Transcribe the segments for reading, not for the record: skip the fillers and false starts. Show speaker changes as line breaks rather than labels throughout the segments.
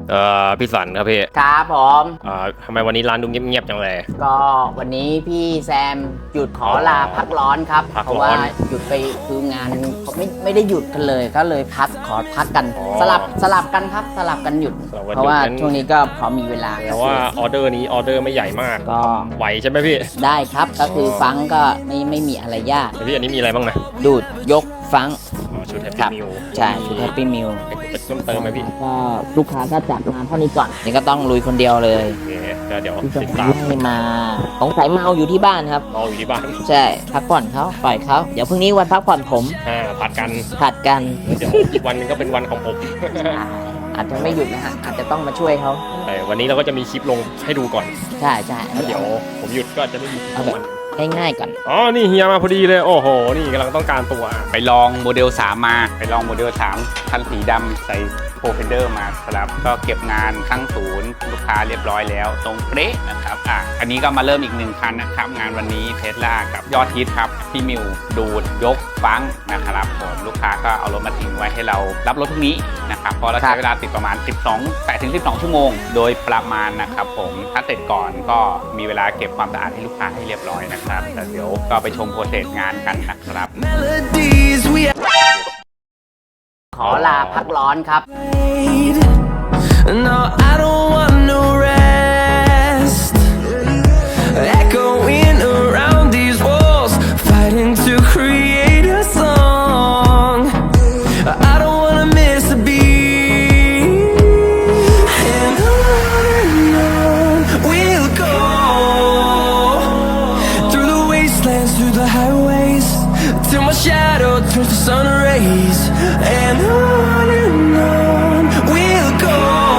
พี่สันครับพี่
ครับผม
ทำไมวันนี้ร้านดูเงียบๆจังเลย
ก็วันนี้พี่แซมหยุดขอลาพักร้อนครับเพราะว่าหยุดไปคืองานเขาไม่ได้หยุดกันเลยก็เลยขอพักกันสลับกันครับสลับกันหยุดเพราะว่าช่วงนี้ก็พอมีเวลา
แต่ว่าออเดอร์นี้ออเดอร์ไม่ใหญ่มาก
ก็
ไหวใช่ไหมพี่
ได้ครับก็คือฟังก็ไม่มีอะไรยาก
พี่อันนี้มีอะไรบ้างนะ
ดูดยกฟัง
ชุดแฮปปี้มิล
ใช่ชุดแฮปปี้มิล
เป็นต้นเติมไหมพี่
ก็ลูกค้าก็จัดมาเท่านี้ก่อนนี่ก็ต้องลุยคนเดียวเลย
โอเคเดี๋ยว
ติดตามให้มาสงสัยเมาอยู่ที่บ้านครับ
เมาอยู่ที่บ้าน
ใช่พักผ่อนเขาปล่อยเขาเดี๋ยวพรุ่งนี้วันพักผ่อนผม
ผัดกัน
เดี๋ยว
อีกวันนึงก็เป็นวันของผม
อาจจะไม่หยุดนะฮะอาจจะต้องมาช่วยเขา
วันนี้เราก็จะมีคลิปลงให้ดูก่อน
ใช่
เดี๋ยวผมหยุดก็จะไม่มี
เอาแบบง่ายๆก่อน
นี่เฮียมาพอดีเลยโอ้โหนี่กำลังต้องการตัว
ไปลองโมเดล 3มาไปลองโมเดล 3คันสีดำใส่โปรเฟนเดอร์มาครับก็เก็บงานทั้งศูนย์ลูกค้าเรียบร้อยแล้วตรงเป๊ะนะครับอันนี้ก็มาเริ่มอีก1คันนะครับงานวันนี้เทสลากับยอดฮิตครับพี่มิวดูดยกฟังนะครับผมลูกค้าก็เอารถมาทิ้งไว้ให้เรารับรถพรุ่งนี้นะครับเพราะเราใช้เวลาติดประมาณ8-12 ชั่วโมงโดยประมาณนะครับผมถ้าเสร็จก่อนก็มีเวลาเก็บความสะอาดให้ลูกค้าให้เรียบร้อยนะครับแต่เดี๋ยวก็ไปชมโปรเซสงานกันนะครับ
ขอลาพักร้อนครับ
No, I don't want no rest. Echoing around these walls, fighting to create a song. I don't wanna miss a beat. And on we'll go through the wastelands, through the highways, till my shadow turns to sun rays. And on we'll go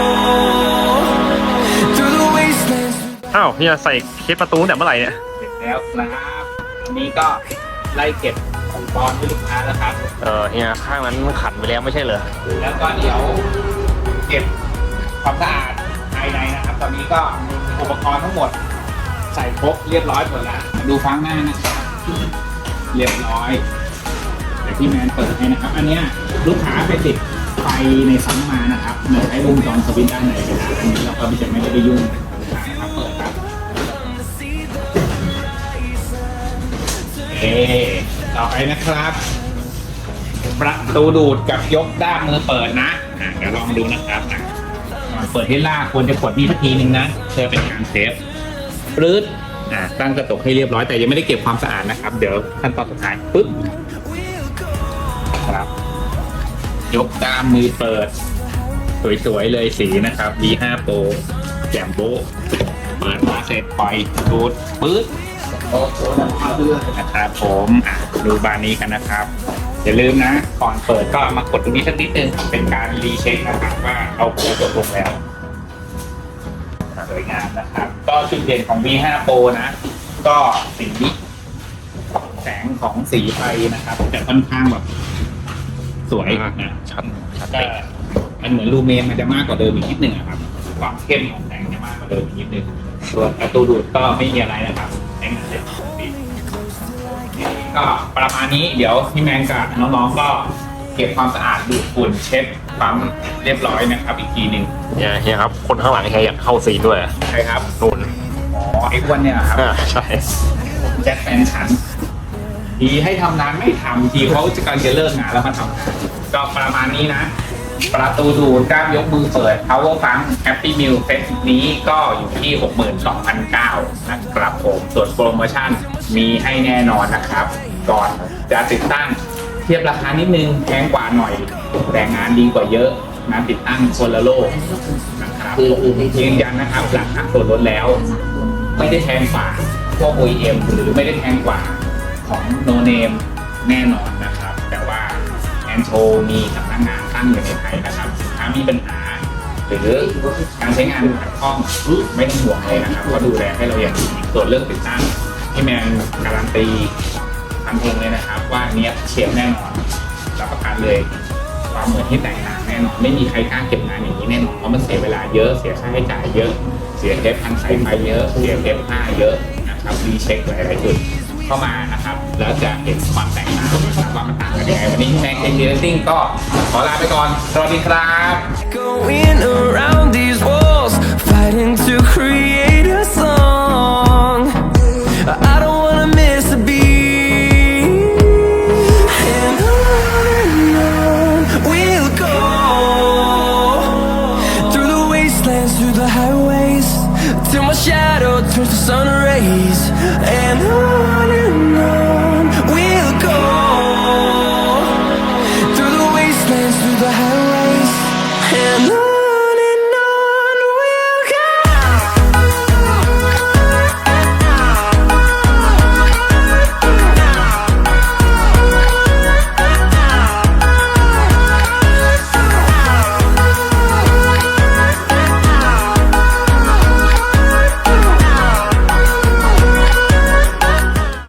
through the wastelands.
เฮียใส่เคสประตูแต่เมื่อไหร่เนี่ย
เสร็จแล้วครับวันนี้ก็ไล่เก็บอุปกรณ์ให้ลูกค้าแล้วครับ
เฮียข้างนั้นขัดไปแล้วไม่ใช่เหรอ
แล้วก็เดี๋ยวเก็บความสะอาดภายในนะครับตอนนี้ก็อุปกรณ์ทั้งหมดใส่ครบเรียบร้อยหมดแล้วดูฟังหน้านะครับเรียบร้อยเดี๋ยวพี่แมนเปิดให้นะครับอันนี้ลูกค้าไปติดไฟในซัมมานะครับเหมือนใช้วงจรสวิตช์ด้านไหนก็ได้อันนี้เราก็จะไม่ได้ยุ่งนะครับเปิดครับต่อไปนะครับประตูดูดกับยกด้ามมือเปิดนะเดี๋ยวลองดูนะครับเปิดให้ลากควรจะกดนี่สักทีนึงนะเพื่อเป็นการเซฟปลื้ดตั้งกระจกให้เรียบร้อยแต่ยังไม่ได้เก็บความสะอาดนะครับเดี๋ยวขั้นตอนสุดท้ายปึ๊บครับยกด้ามมือเปิดสวยๆเลยสีนะครับ V5 Pro แจ่มโบ๊ะเปิดมาเสร็จปล่อยดูดปึ๊ดนะครับผมดูบานนี้กันนะครับอย่าลืมนะก่อนเปิดก็มากดตรงนี้สักนิดนึงเป็นการรีเช็คนะครับว่าเอาโปรจบลงแล้วสวยงามนะครับก็จุดเด่นของ V5 Pro นะก็สีแสงของสีไฟนะครับแต่ค่อนข้างแบบสวยนะชัดมันเหมือนลูเมนมันจะมากกว่าเดิมอีกนิดนึงครับความเข้มของแสงจะมากกว่าเดิมอีกนิดนึงส่วนประตูดูดก็ไม่มีอะไรนะครับใช้งานได้ปกติก็ประมาณนี้เดี๋ยวพี่แมนกับน้องๆก็เก็บความสะอาดดูดฝุ่นเช็ดปั๊มเรียบร้อยนะครับอีกทีหนึ่ง
เฮียครับคนข้างหลังเฮียอยากเข้าซีนด้วย
ใช่ครับ
นุ่น
ไอ้อ้วนเนี่ยครับ
ใช่
แจ็คแฟนฉันทีให้ทำนานไม่ทำทีเขาจะการจะเลิกงานแล้วมาทำก็ประมาณนี้นะประตูดูดกล้ามยกมือเปิด Power Funk Happy Meal เซตนี้ก็อยู่ที่ 62,900 นะครับผมส่วนโปรโมชั่นมีให้แน่นอนนะครับก่อนจะติดตั้งเทียบราคานิดนึงแพงกว่าหน่อยแต่งานดีกว่าเยอะงานติดตั้งคนละโลกนะครับยืนยันนะครับหลังหักส่วนลดแล้วไม่ได้แพงกว่าพวก OEM หรือไม่ได้แพงกว่าของ No Name แน่นอนนะครับแต่ว่าแอนโชมีสำนักงานตั้งอยู่ในไทยนะครับถ้ามีปัญหาหรือการใช้งานขัดข้องไม่ต้องห่วงเลยนะครับเขาดูแลให้เราอย่างดีส่วนเรื่องติดตั้งที่แมนการันตีทันทีเลยนะครับว่าเนี้ยเฉียบแน่นอนรับประกันเลยความเหมือนที่แตกต่างแน่นอนไม่มีใครกล้าเก็บงานอย่างนี้แน่นอนเพราะมันเสียเวลาเยอะเสียค่าใช้จ่ายเยอะเสียเทปพันสายไฟเยอะเสียเทปผ้าเยอะนะครับรีเช็คหลายๆจุดเข้ามานะครับแล้วจะเห็นความแตกต่างนะครับว่ามันต่างกันยังไงวันนี้แม็กเอ็นจิเนียริ่งก็ขอลาไปก่อนสวัสดีครับ